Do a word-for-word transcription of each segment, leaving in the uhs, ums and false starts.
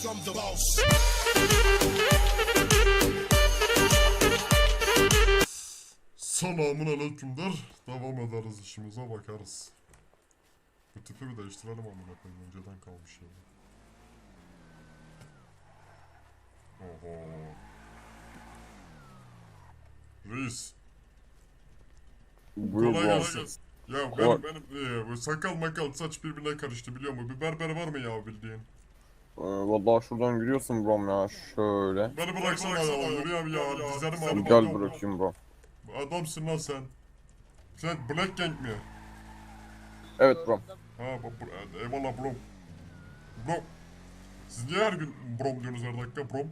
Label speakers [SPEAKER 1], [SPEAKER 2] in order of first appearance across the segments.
[SPEAKER 1] Selamun aleykümler. Devam ederiz, işimize bakarız. Bu tipi bir değiştirelim amına koyayım, önceden kalmış yani. Oho. Reis.
[SPEAKER 2] Buyur
[SPEAKER 1] Kolay
[SPEAKER 2] bro.
[SPEAKER 1] gelsin. Ya
[SPEAKER 2] Kolay.
[SPEAKER 1] benim benim e, bu sakal makal saç birbirine karıştı biliyor musun? Bir berber var mı ya bildiğin?
[SPEAKER 2] Ee, vallahi şuradan giriyorsun brom ya şöyle.
[SPEAKER 1] Beni bıraksana ya, yürüyem ya, dizlerim ağrıyor.
[SPEAKER 2] Gel bırakayım bro.
[SPEAKER 1] Adamsın lan sen. Sen Black Gang mi?
[SPEAKER 2] Evet bro.
[SPEAKER 1] Ha bu, bu, eyvallah bro. Bro. Siz niye her gün brom diyorsunuz her dakika brom?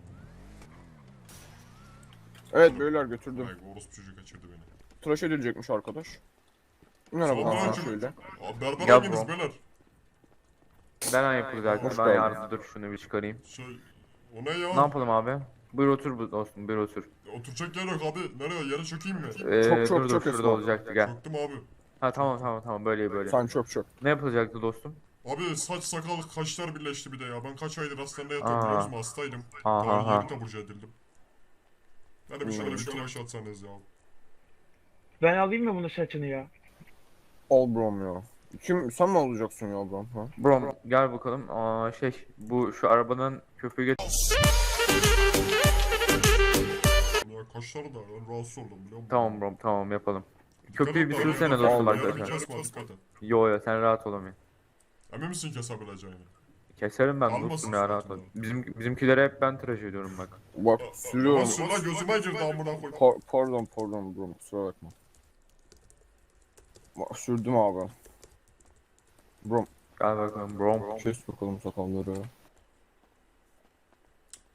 [SPEAKER 2] Evet beyler götürdüm.
[SPEAKER 1] Ay orospu çocuğu kaçırdı beni.
[SPEAKER 2] Tıraş edilecekmiş arkadaş. Merhaba
[SPEAKER 1] Selamünaleyküm.
[SPEAKER 2] aha şöyle.
[SPEAKER 1] Aa, berber
[SPEAKER 3] Gel
[SPEAKER 1] hanginiz
[SPEAKER 3] bro.
[SPEAKER 1] beyler?
[SPEAKER 3] Ben yapılacaktım.
[SPEAKER 2] Hoş
[SPEAKER 3] Ben
[SPEAKER 2] geldin.
[SPEAKER 3] yardımcı dur şunu bir çıkarayım.
[SPEAKER 1] Şey, o ne ya?
[SPEAKER 3] Ne yapalım abi? Buyur otur bu dostum, buyur otur.
[SPEAKER 1] Oturacak yer yok abi. Nereye? Yere çökeyim mi?
[SPEAKER 3] Ee,
[SPEAKER 2] Çok, çok,
[SPEAKER 3] dur
[SPEAKER 2] çok
[SPEAKER 3] dur şurada
[SPEAKER 2] esma.
[SPEAKER 3] olacaktı gel.
[SPEAKER 1] Çöktüm abi.
[SPEAKER 3] Ha tamam tamam tamam böyle böyle.
[SPEAKER 2] Sen çok çok.
[SPEAKER 3] Ne yapılacaktı dostum?
[SPEAKER 1] Abi saç sakal kaşlar birleşti bir de ya. Ben kaç aydır hastanede yatıyorum
[SPEAKER 3] Aa.
[SPEAKER 1] biliyor musun? Hastaydım.
[SPEAKER 3] Aha,
[SPEAKER 1] Daha
[SPEAKER 3] aha.
[SPEAKER 1] yeni taburcu edildim. Hadi bir şöyle
[SPEAKER 2] Hmm.
[SPEAKER 1] bir tıraş atsanız ya.
[SPEAKER 4] Ben alayım mı bunun saçını ya?
[SPEAKER 2] Al brom ya. Kim sen mi alacaksın ya brom ha?
[SPEAKER 3] Brom gel bakalım. Aa şey bu şu arabanın köpüğü get.
[SPEAKER 1] Ya kaşları da ben rahatsız oldum biliyor musun?
[SPEAKER 3] Tamam brom tamam yapalım.
[SPEAKER 1] Dikkat
[SPEAKER 3] Köpüğü
[SPEAKER 1] et
[SPEAKER 3] bir
[SPEAKER 1] de,
[SPEAKER 3] sürsene
[SPEAKER 1] yarın
[SPEAKER 3] dostum
[SPEAKER 1] yarın
[SPEAKER 3] arkadaşlar.
[SPEAKER 1] kesme, dikkat et.
[SPEAKER 3] Yo yo sen rahat olamayın.
[SPEAKER 1] Emin misin kesebileceğini?
[SPEAKER 3] Keserim ben
[SPEAKER 1] Almasın
[SPEAKER 3] dostum ya rahat ol.
[SPEAKER 1] zaten.
[SPEAKER 3] Bizim bizimkilere hep ben tıraş ediyorum bak.
[SPEAKER 2] Bak sürüyorum.
[SPEAKER 1] Nasıl lan gözüme girdi amına koy.
[SPEAKER 2] Pa- pardon pardon brom kusura bakma. Bak sürdüm abi. Brom
[SPEAKER 3] Gel bakalım brom.
[SPEAKER 2] kes bakalım sakalları.
[SPEAKER 1] Aa.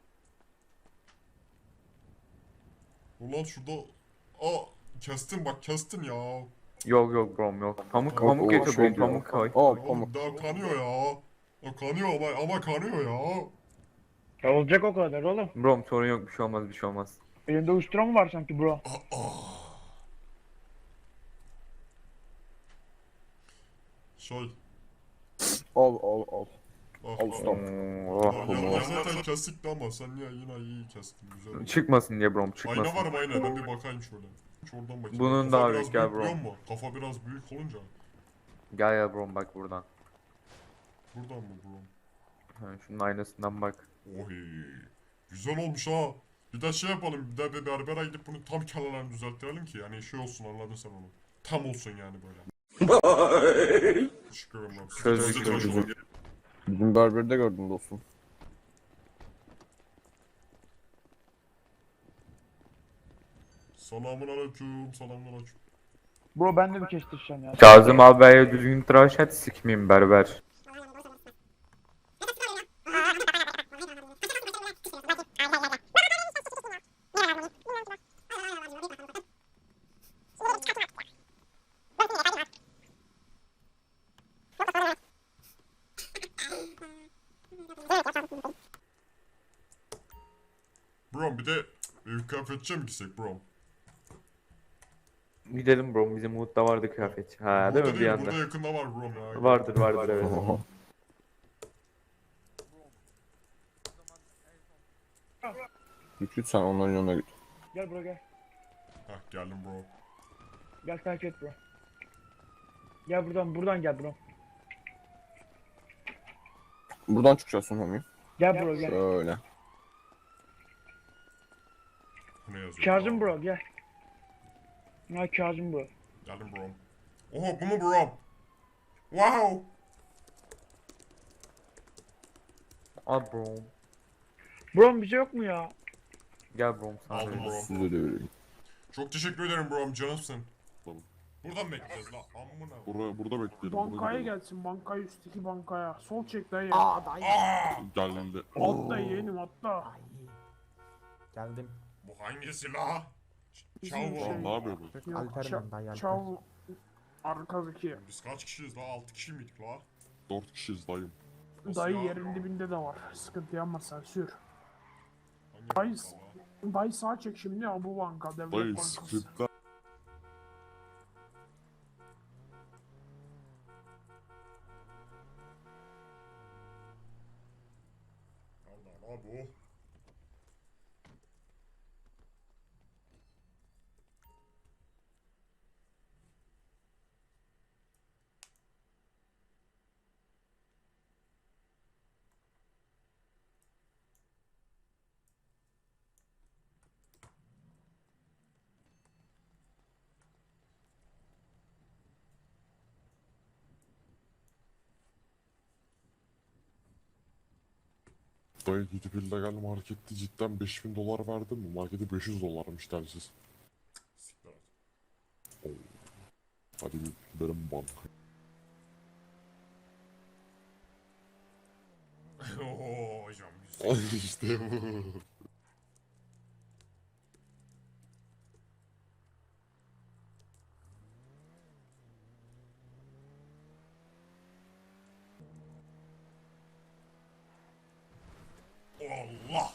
[SPEAKER 1] Ulan şurada... Aa kestin bak kestin ya.
[SPEAKER 3] Yok yok brom yok. Pamuk
[SPEAKER 2] Yok,
[SPEAKER 3] pamuk
[SPEAKER 2] o
[SPEAKER 3] getir
[SPEAKER 2] şey
[SPEAKER 3] brom
[SPEAKER 2] diyor.
[SPEAKER 3] pamuk koy.
[SPEAKER 2] Aa
[SPEAKER 1] Oğlum
[SPEAKER 2] pamuk.
[SPEAKER 1] daha kanıyor ya. O kanıyor ama, ama kanıyor ya.
[SPEAKER 4] Ya olacak o kadar oğlum.
[SPEAKER 3] Brom sorun yok bir şey olmaz bir şey olmaz.
[SPEAKER 4] Elinde uyuşturan mı var sanki bro?
[SPEAKER 1] Aa. Şey.
[SPEAKER 2] Al al al.
[SPEAKER 1] Ah,
[SPEAKER 2] Al
[SPEAKER 1] ah.
[SPEAKER 2] ustam.
[SPEAKER 3] Oh,
[SPEAKER 1] Ya,
[SPEAKER 2] tamam.
[SPEAKER 1] ya zaten kestikti ama sen ya yine iyi kestin güzel. oldu.
[SPEAKER 3] çıkmasın diye brom
[SPEAKER 1] Ayna
[SPEAKER 3] çıkmasın.
[SPEAKER 1] var mı ayna? Ben bir bakayım şöyle. Şuradan bakayım.
[SPEAKER 3] Bunun
[SPEAKER 1] Kafa
[SPEAKER 3] daha
[SPEAKER 1] biraz
[SPEAKER 3] büyük, gel bro.
[SPEAKER 1] biliyor musun? Kafa biraz büyük olunca.
[SPEAKER 3] Gel ya brom bak buradan.
[SPEAKER 1] Buradan mı bro?
[SPEAKER 3] Ha, şunun aynasından bak.
[SPEAKER 1] Oy. Güzel olmuş ha. Bir de şey yapalım. Bir de bir berbere gidip bunu tam kenarlarını düzelttirelim ki. Yani şey olsun anladın sen onu. Tam olsun yani böyle. Teşekkür ederim. abi.
[SPEAKER 3] Çözdük,
[SPEAKER 1] Sizi tıraş
[SPEAKER 3] çözdük.
[SPEAKER 1] olun.
[SPEAKER 2] Bizim berberde gördüm dostum.
[SPEAKER 1] Selamun aleyküm. Selamun aleyküm.
[SPEAKER 4] Bro ben de bir kestireceğim ya.
[SPEAKER 3] Kazım abiye düzgün tıraş et sikmeyeyim berber.
[SPEAKER 1] Bro bir de e, kıyafetçiye mi gitsek bro?
[SPEAKER 3] Gidelim bro bizim Umut'ta vardı kıyafet. Ha değil
[SPEAKER 1] Burada
[SPEAKER 3] mi bir
[SPEAKER 1] değil,
[SPEAKER 3] yanda?
[SPEAKER 1] burada yakında var bro ya.
[SPEAKER 3] Vardır vardır evet.
[SPEAKER 2] Oho. Git git sen onların yanına git.
[SPEAKER 4] Gel bro gel.
[SPEAKER 1] Heh geldim bro.
[SPEAKER 4] Gel takip et bro. Gel buradan buradan gel bro.
[SPEAKER 2] Buradan çıkacaksın homie.
[SPEAKER 4] Gel bro gel.
[SPEAKER 2] Şöyle.
[SPEAKER 1] Bu ne yazıyor?
[SPEAKER 4] Kazım bro gel. Ha Kazım bro.
[SPEAKER 1] Geldim bro. Oho bu mu bro? Wow.
[SPEAKER 3] Al bro.
[SPEAKER 4] Bro bize yok mu ya?
[SPEAKER 3] Gel bro sana.
[SPEAKER 1] Aldım
[SPEAKER 3] vereyim.
[SPEAKER 1] bro.
[SPEAKER 2] Size de vereyim.
[SPEAKER 1] Çok teşekkür ederim bro canımsın.
[SPEAKER 5] Tamam.
[SPEAKER 1] Buradan bekleyeceğiz la amına.
[SPEAKER 5] Burada, burada bekleyelim.
[SPEAKER 6] Bankaya
[SPEAKER 5] burada gidelim.
[SPEAKER 6] gelsin, bankaya üstteki bankaya. Sol çek dayı.
[SPEAKER 1] Aa!
[SPEAKER 5] Geldi.
[SPEAKER 6] Atla yeğenim atla.
[SPEAKER 7] Geldim.
[SPEAKER 1] Bu hangisi la?
[SPEAKER 6] Bizim
[SPEAKER 1] Çav
[SPEAKER 6] şey-
[SPEAKER 5] Lan ne yapıyor bu?
[SPEAKER 6] Yok,
[SPEAKER 7] Alper
[SPEAKER 6] ça-
[SPEAKER 7] ben dayı Alper.
[SPEAKER 6] Çav arkadaki.
[SPEAKER 1] Biz kaç kişiyiz la? altı kişi miydik la?
[SPEAKER 5] Dört kişiyiz dayım.
[SPEAKER 1] Nasıl
[SPEAKER 6] Dayı
[SPEAKER 1] ya?
[SPEAKER 6] yerin dibinde de var. Sıkıntı yapma sen sür.
[SPEAKER 1] Hangi
[SPEAKER 6] Dayı,
[SPEAKER 1] banka la?
[SPEAKER 6] dayı sağ çek şimdi ya bu banka. Devlet
[SPEAKER 5] Dayı
[SPEAKER 6] bankası.
[SPEAKER 5] skripten
[SPEAKER 1] Abi oh.
[SPEAKER 5] Dayı gidip illegal markette cidden beş bin dolar verdin mi? Markete beş yüz dolarmış telsiz.
[SPEAKER 1] Siktir at.
[SPEAKER 5] Hadi bir benim banka.
[SPEAKER 1] Oo hocam güzel.
[SPEAKER 5] işte bu.
[SPEAKER 1] Allah.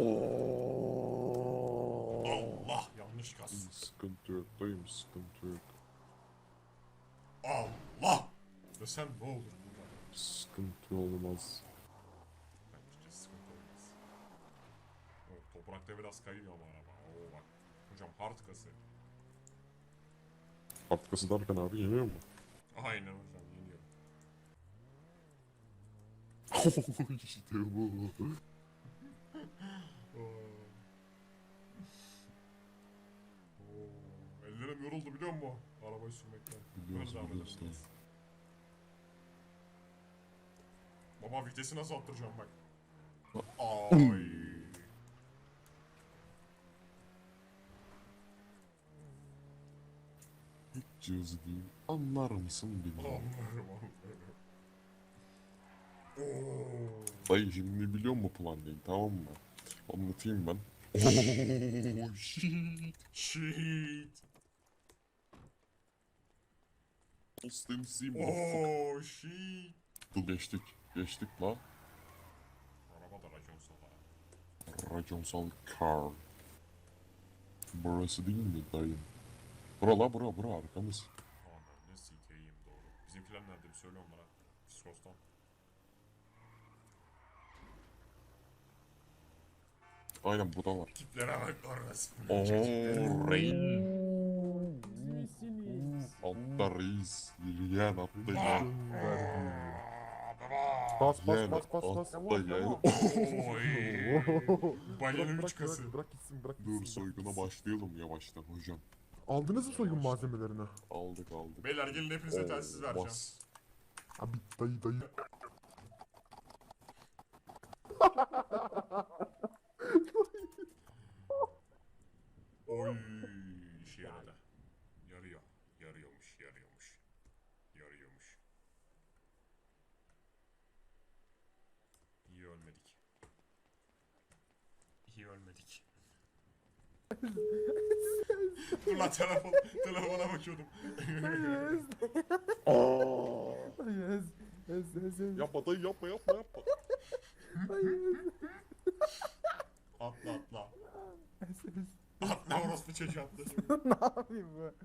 [SPEAKER 1] Allah. Yanlış kas.
[SPEAKER 5] Sıkıntı yok dayım, sıkıntı yok.
[SPEAKER 1] Allah. Desem ne olur burada?
[SPEAKER 5] Sıkıntı olmaz.
[SPEAKER 1] Bence sıkıntı olmaz. Evet, toprakta biraz kayıyor ama araba. Oo bak. Hocam hard kası.
[SPEAKER 5] Arkası derken abi yeniyor mu?
[SPEAKER 1] Aynen hocam yeniyor.
[SPEAKER 5] işte bu.
[SPEAKER 1] Oo. Oo. Ellerim yoruldu biliyor musun? Arabayı sürmekten.
[SPEAKER 5] Biliyoruz,
[SPEAKER 1] Böyle devam
[SPEAKER 5] biliyoruz
[SPEAKER 1] edelim. Baba vitesi nasıl arttıracağım bak. Ay.
[SPEAKER 5] Hiç cihazı değil. Anlar mısın bilmiyorum.
[SPEAKER 1] Anlarım anlarım. Oo.
[SPEAKER 5] Dayı şimdi biliyor musun plan değil, tamam mı? Anlatayım ben. Oh shit.
[SPEAKER 1] Shit.
[SPEAKER 5] Austin C motherfucker.
[SPEAKER 1] Oh shit.
[SPEAKER 5] Dur geçtik. Geçtik la.
[SPEAKER 1] Araba da racon sala.
[SPEAKER 5] Raconsal car. Burası değil mi dayım? Bura la bura bura arkamız.
[SPEAKER 1] Aman ne sikeyim doğru. Bizimkiler nerede bir söyle onlara. Psikostan.
[SPEAKER 5] Aynen burada var.
[SPEAKER 1] Tiplere bak orası.
[SPEAKER 5] Ooo reis.
[SPEAKER 6] İyisiniz.
[SPEAKER 5] Altta reis. Yürüyen atlayan.
[SPEAKER 7] Bas
[SPEAKER 5] Yen
[SPEAKER 7] bas bas bas bas.
[SPEAKER 5] atlayan.
[SPEAKER 1] Oy. Balyanın üç kası.
[SPEAKER 7] Bırak, bırak gitsin bırak
[SPEAKER 5] Dur
[SPEAKER 7] gitsin. bırak
[SPEAKER 5] soyguna
[SPEAKER 7] gitsin.
[SPEAKER 5] başlayalım yavaştan hocam.
[SPEAKER 7] Aldınız mı soygun malzemelerini?
[SPEAKER 5] Aldık aldık.
[SPEAKER 1] Beyler gelin hepinize telsiz
[SPEAKER 5] Oo,
[SPEAKER 1] vereceğim.
[SPEAKER 5] bas.
[SPEAKER 7] Abi dayı dayı.
[SPEAKER 1] Oy işe yaradı. Yarıyor. Yarıyormuş, yarıyormuş. Yarıyormuş. İyi ölmedik. İyi ölmedik. Dur lan telefon, telefona bakıyordum.
[SPEAKER 7] Yes. Yes yes yes.
[SPEAKER 5] Yapma dayı yapma yapma yapma.
[SPEAKER 1] Atla atla.
[SPEAKER 7] Yes, yes.
[SPEAKER 1] Atla orospu çocuğu atla.
[SPEAKER 7] Ne yapayım bu?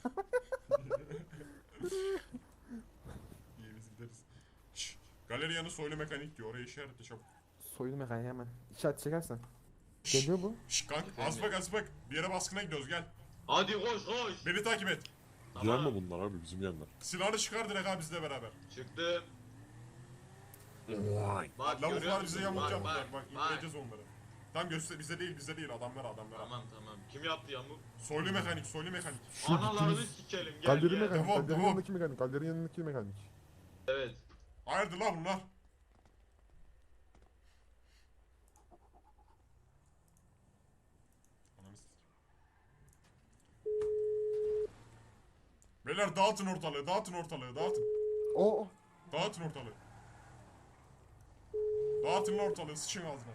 [SPEAKER 1] İyi biz gideriz. Şşş. Galeri yanı soylu mekanik diyor. Oraya işaretle çabuk.
[SPEAKER 7] Soylu mekaniği hemen. İşaret çekersen. Geliyor bu.
[SPEAKER 1] Şşş kank az bak az bak. Bir yere baskına gidiyoruz gel.
[SPEAKER 8] Hadi koş koş.
[SPEAKER 1] Beni takip et.
[SPEAKER 5] Yer mi bunlar abi bizim yerler?
[SPEAKER 1] Silahını çıkar direkt abi bizle beraber.
[SPEAKER 8] Çıktım. Bak görüyor
[SPEAKER 1] Lavuklar
[SPEAKER 8] musun?
[SPEAKER 1] bize yamuk
[SPEAKER 8] Bak,
[SPEAKER 1] yaptılar.
[SPEAKER 8] Bak
[SPEAKER 1] Bak
[SPEAKER 8] bak.
[SPEAKER 1] indireceğiz onları. Tam göster bize değil bize değil adamlar adamlar.
[SPEAKER 8] Tamam tamam. Kim yaptı yamuk?
[SPEAKER 1] Soylu mekanik soylu mekanik.
[SPEAKER 8] Analarını sikelim gel
[SPEAKER 7] Galeri
[SPEAKER 8] gel.
[SPEAKER 7] mekanik.
[SPEAKER 1] Devam,
[SPEAKER 7] Galerinin
[SPEAKER 1] devam.
[SPEAKER 7] yanındaki mekanik. Galerinin yanındaki mekanik.
[SPEAKER 8] Evet.
[SPEAKER 1] Hayırdır la bunlar? Ananı sikeyim. Beyler dağıtın ortalığı dağıtın ortalığı dağıtın.
[SPEAKER 7] Oo.
[SPEAKER 1] Dağıtın ortalığı. Dağıtın lan ortalığı sıçın ağzına.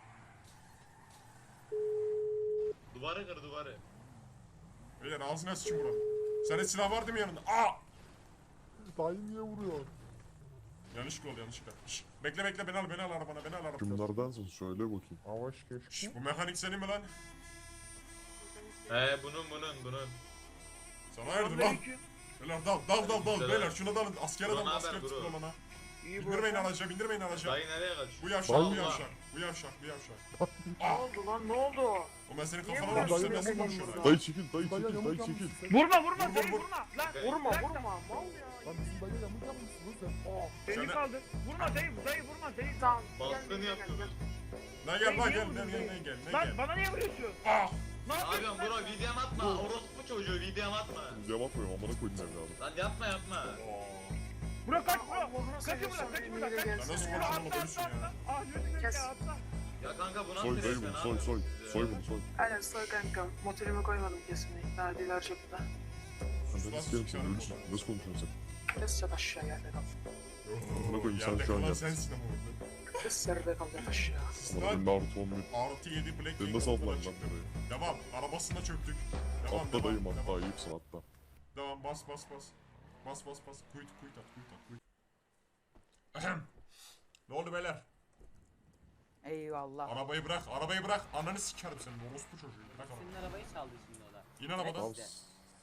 [SPEAKER 8] Duvarı kır duvarı.
[SPEAKER 1] Beyler ağzına sıçın buranın. Sende silah var değil mi yanında? Aa!
[SPEAKER 7] Dayı niye vuruyor?
[SPEAKER 1] Yanlışlıkla oldu yanlışlıkla. Şşş, bekle bekle beni al beni al arabana beni al arabana.
[SPEAKER 5] Kimlerdensin söyle bakayım.
[SPEAKER 7] Avaş keşke.
[SPEAKER 1] Şşş, bu mekanik senin mi lan?
[SPEAKER 8] He bunun bunun bunun.
[SPEAKER 1] Sana hayırdır lan? Beyler dal dal dal dal
[SPEAKER 8] Selam.
[SPEAKER 1] beyler şuna dalın askere
[SPEAKER 8] Bro,
[SPEAKER 1] dalın
[SPEAKER 8] naber
[SPEAKER 1] asker
[SPEAKER 8] bro?
[SPEAKER 1] tıkla bana.
[SPEAKER 4] İyi bu.
[SPEAKER 1] Bindirmeyin araca, bindirmeyin araca.
[SPEAKER 8] Dayı nereye kaçıyor?
[SPEAKER 1] Bu yavşak, bu
[SPEAKER 8] Allah.
[SPEAKER 1] yavşak, bu yavşak, bu yavşak.
[SPEAKER 6] Ne oldu lan ne oldu?
[SPEAKER 1] O ben senin
[SPEAKER 6] Niye
[SPEAKER 1] kafana
[SPEAKER 6] vuruyorsun?
[SPEAKER 1] vurmuşum, sen nasıl
[SPEAKER 6] Dayı
[SPEAKER 1] konuşuyorsun?
[SPEAKER 6] yamuk
[SPEAKER 5] Dayı çekil, dayı
[SPEAKER 7] Dayı
[SPEAKER 5] çekil,
[SPEAKER 7] yamuk
[SPEAKER 5] dayı
[SPEAKER 7] yapmışsın
[SPEAKER 5] çekil.
[SPEAKER 7] sen.
[SPEAKER 4] Vurma vurma
[SPEAKER 1] Vur,
[SPEAKER 4] dayı
[SPEAKER 1] vur, vur.
[SPEAKER 4] vurma. Lan
[SPEAKER 6] Vurma
[SPEAKER 4] bırak.
[SPEAKER 6] vurma mal ya.
[SPEAKER 7] Lan bizim dayı yamuk yapmışsın lan sen.
[SPEAKER 6] Oh.
[SPEAKER 4] Beni
[SPEAKER 1] Sen de-
[SPEAKER 4] kaldır. Vurma dayı dayı vurma dayı.
[SPEAKER 6] Tamam.
[SPEAKER 8] Baskını yaptı.
[SPEAKER 1] Lan gel lan gel, ne gel, ne gel, ne
[SPEAKER 4] Lan
[SPEAKER 1] gel.
[SPEAKER 4] bana niye vuruyorsun?
[SPEAKER 1] Ah!
[SPEAKER 4] Ne
[SPEAKER 8] Ne
[SPEAKER 4] yapıyorsun
[SPEAKER 8] yapıyorsun
[SPEAKER 4] lan?
[SPEAKER 8] bro? Videom atma. Orospu çocuğu videom atma.
[SPEAKER 5] Cevap atmıyorum amına koydum evladım.
[SPEAKER 8] Lan yapma yapma.
[SPEAKER 1] Oo.
[SPEAKER 4] Bırak kaç bro.
[SPEAKER 6] Allah'ını
[SPEAKER 4] Kaçın
[SPEAKER 6] seversen
[SPEAKER 4] bırak kaçın
[SPEAKER 6] elini
[SPEAKER 4] bırak.
[SPEAKER 6] de
[SPEAKER 4] kaç.
[SPEAKER 1] Ya nasıl
[SPEAKER 6] gelsene
[SPEAKER 4] Bro,
[SPEAKER 6] ya.
[SPEAKER 1] konuşalım,
[SPEAKER 4] atla,
[SPEAKER 1] ölürsün
[SPEAKER 4] atla,
[SPEAKER 1] ya.
[SPEAKER 4] atla. Ah lütfen
[SPEAKER 6] Kes.
[SPEAKER 4] ya atla.
[SPEAKER 8] Ya kanka bu nasıl
[SPEAKER 5] Soy dayı
[SPEAKER 8] resmen
[SPEAKER 5] bunu, soy, soy. Soy bunu, soy.
[SPEAKER 6] Aynen soy kanka. Motelime koymadım kesinlikle. Daha diler çöpte.
[SPEAKER 1] Sus
[SPEAKER 5] Ananı
[SPEAKER 1] lan,
[SPEAKER 5] sikerim
[SPEAKER 1] sus
[SPEAKER 5] seni,
[SPEAKER 1] ya.
[SPEAKER 5] ölürsün. Nasıl konuşuyorsun sen?
[SPEAKER 6] Kes yat aşağı yerde kal.
[SPEAKER 1] Amına
[SPEAKER 5] koyayım, sen
[SPEAKER 1] yerde
[SPEAKER 5] şu an
[SPEAKER 1] kalan
[SPEAKER 5] yap.
[SPEAKER 1] sensin ama orada.
[SPEAKER 6] Kes yerde kal yat aşağı.
[SPEAKER 5] Amına
[SPEAKER 1] Lan
[SPEAKER 5] koyayım artı on bir.
[SPEAKER 1] artı yedi Black
[SPEAKER 5] Beni
[SPEAKER 1] King
[SPEAKER 5] nasıl
[SPEAKER 1] ortadan
[SPEAKER 5] atlan lan
[SPEAKER 1] çıktı.
[SPEAKER 5] burayı?
[SPEAKER 1] Devam, arabasına çöktük. Devam,
[SPEAKER 5] Atla dayım
[SPEAKER 1] devam,
[SPEAKER 5] atla,
[SPEAKER 1] devam.
[SPEAKER 5] ayıpsın atla.
[SPEAKER 1] Devam, bas bas bas. Bas bas bas. Kuyut kuyut at, kuyut at, kuyut. Ahem. Ne oldu beyler?
[SPEAKER 9] Eyvallah.
[SPEAKER 1] Arabayı bırak, arabayı bırak. Ananı sikerim senin orospu çocuğu. Bırak arabayı.
[SPEAKER 9] Senin arabayı çaldı şimdi o da.
[SPEAKER 1] İn arabadan.
[SPEAKER 5] Al.
[SPEAKER 9] işte.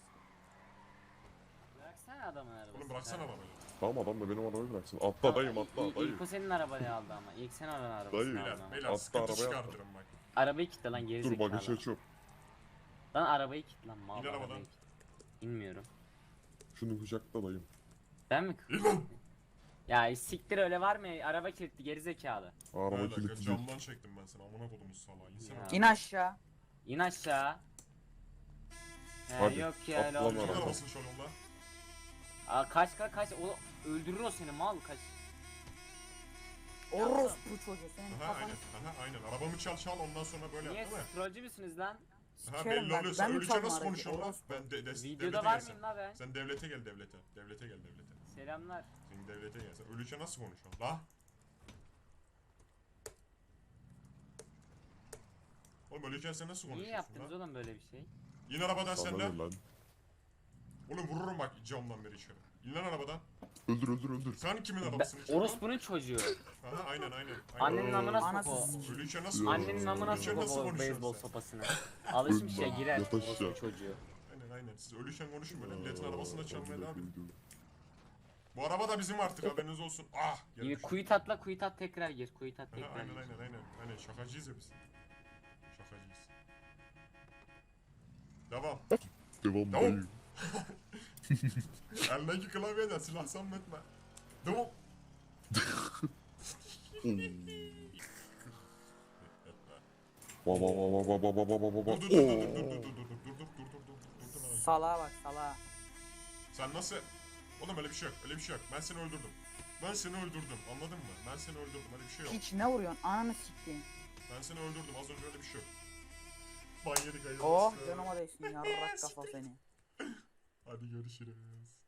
[SPEAKER 9] Bıraksana adamın arabasını.
[SPEAKER 1] Oğlum bıraksana arabayı.
[SPEAKER 5] Tamam adam da benim arabayı bıraksın. Atla dayım atla
[SPEAKER 9] İlk,
[SPEAKER 5] dayı.
[SPEAKER 9] ilk o senin arabayı aldı ama. İlk sen onun arabasını
[SPEAKER 5] Dayı.
[SPEAKER 9] aldın
[SPEAKER 1] Beyler,
[SPEAKER 9] ama.
[SPEAKER 1] beyler
[SPEAKER 5] Atla
[SPEAKER 1] sıkıntı
[SPEAKER 5] arabaya atla.
[SPEAKER 1] çıkartırım bak.
[SPEAKER 9] Arabayı kitle lan geri
[SPEAKER 5] Dur
[SPEAKER 9] zekalı.
[SPEAKER 5] bagajı açıyorum.
[SPEAKER 9] Lan arabayı kitle lan mal
[SPEAKER 1] İn arabadan.
[SPEAKER 9] arabayı kitle. İnmiyorum.
[SPEAKER 5] Şunu kucakla dayım.
[SPEAKER 9] Ben mi?
[SPEAKER 1] İn lan.
[SPEAKER 9] Ya siktir öyle var mı? Araba kilitli geri zekalı.
[SPEAKER 5] Araba
[SPEAKER 1] Beyler,
[SPEAKER 5] kilitli değil.
[SPEAKER 1] camdan çektim ben seni. Amına kodumuz salağı. İnsene.
[SPEAKER 9] Ya. İn
[SPEAKER 10] aşağı.
[SPEAKER 9] İn aşağı. He,
[SPEAKER 5] Hadi,
[SPEAKER 9] yok ya öyle
[SPEAKER 5] atla lan
[SPEAKER 9] olmuyor.
[SPEAKER 1] Kimin
[SPEAKER 5] araba.
[SPEAKER 1] arabasını çalıyorsun lan?
[SPEAKER 9] Aa, kaç kaç kaç. O, öldürür o seni mal kaç.
[SPEAKER 10] Orospu çocuğu senin
[SPEAKER 1] Aha
[SPEAKER 10] kafanı
[SPEAKER 1] aynen. Aha aynen. Arabamı çal çal ondan sonra böyle
[SPEAKER 9] Niye
[SPEAKER 1] yap değil mi?
[SPEAKER 9] trollcü müsünüz lan?
[SPEAKER 1] Aha
[SPEAKER 10] sikerim
[SPEAKER 1] belli
[SPEAKER 10] bak.
[SPEAKER 1] oluyor. Sen
[SPEAKER 10] Ben mi
[SPEAKER 1] ölünce
[SPEAKER 10] çaldım
[SPEAKER 1] nasıl
[SPEAKER 10] aracı?
[SPEAKER 1] konuşuyorsun lan?
[SPEAKER 10] Orospu.
[SPEAKER 1] Ben de, de, devlete
[SPEAKER 9] Videoda
[SPEAKER 1] gel
[SPEAKER 9] var
[SPEAKER 1] sen.
[SPEAKER 9] mıyım la ben?
[SPEAKER 1] Sen devlete gel devlete. Devlete gel devlete.
[SPEAKER 9] Selamlar.
[SPEAKER 1] Sen devlete gel. Sen ölünce nasıl konuşuyorsun? La? Oğlum ölürken sen nasıl
[SPEAKER 9] Niye
[SPEAKER 1] konuşuyorsun
[SPEAKER 9] yaptınız
[SPEAKER 1] lan?
[SPEAKER 9] oğlum böyle bir şey?
[SPEAKER 1] İn arabadan sen
[SPEAKER 5] Sana
[SPEAKER 1] de.
[SPEAKER 5] ne lan?
[SPEAKER 1] Oğlum vururum bak camdan beri içeri. İn lan arabadan.
[SPEAKER 5] Öldür öldür öldür.
[SPEAKER 1] Sen kimin
[SPEAKER 9] Ben,
[SPEAKER 1] arabasını çalıyorsun?
[SPEAKER 9] orospunun çocuğu.
[SPEAKER 1] Aha aynen aynen.
[SPEAKER 9] Annenin amına
[SPEAKER 10] Anası
[SPEAKER 9] sok o.
[SPEAKER 10] s-
[SPEAKER 1] Ölürken nasıl
[SPEAKER 9] Annenin amına
[SPEAKER 1] Ölürken
[SPEAKER 9] sok
[SPEAKER 1] nasıl
[SPEAKER 9] o
[SPEAKER 1] konuşuyorsun
[SPEAKER 9] beyzbol
[SPEAKER 1] sen?
[SPEAKER 9] sopasını. Alışmış ya
[SPEAKER 5] Ölme,
[SPEAKER 9] girer
[SPEAKER 5] yat aşağı.
[SPEAKER 9] orospu çocuğu.
[SPEAKER 1] Aynen aynen. Siz ölürken konuşun böyle. Milletin arabasına çalmaya
[SPEAKER 5] Amına
[SPEAKER 1] devam edin.
[SPEAKER 5] koydum.
[SPEAKER 1] Bu araba da bizim artık haberiniz olsun. Ah!
[SPEAKER 9] İyi,
[SPEAKER 1] gelmiş.
[SPEAKER 9] kuyut atla kuyut at tekrar gir. Kuyut at
[SPEAKER 1] Aha,
[SPEAKER 9] tekrar
[SPEAKER 1] aynen
[SPEAKER 9] gir.
[SPEAKER 1] aynen aynen. Aynen şakacıyız ya biz. Şakacıyız. Devam.
[SPEAKER 5] Devam
[SPEAKER 1] Devam.
[SPEAKER 5] dayı.
[SPEAKER 1] Eldeki klavyeden silah zannetme. Devam.
[SPEAKER 5] Baba baba baba baba baba baba.
[SPEAKER 1] Dur dur dur dur dur dur dur dur dur dur dur dur dur dur dur.
[SPEAKER 10] Salağa bak salağa.
[SPEAKER 1] Sen nasıl? Oğlum öyle bir şey yok. Öyle bir şey yok. Ben seni öldürdüm. Ben seni öldürdüm. Anladın mı? Ben seni öldürdüm. Öyle bir şey yok.
[SPEAKER 10] Hiç ne vuruyorsun? Ananı sikeyim.
[SPEAKER 1] Ben seni öldürdüm. Az önce öyle bir şey yok. Ban yedik hayırlısı.
[SPEAKER 10] Oh canıma değsin yarrak kafa seni.
[SPEAKER 1] Hadi görüşürüz.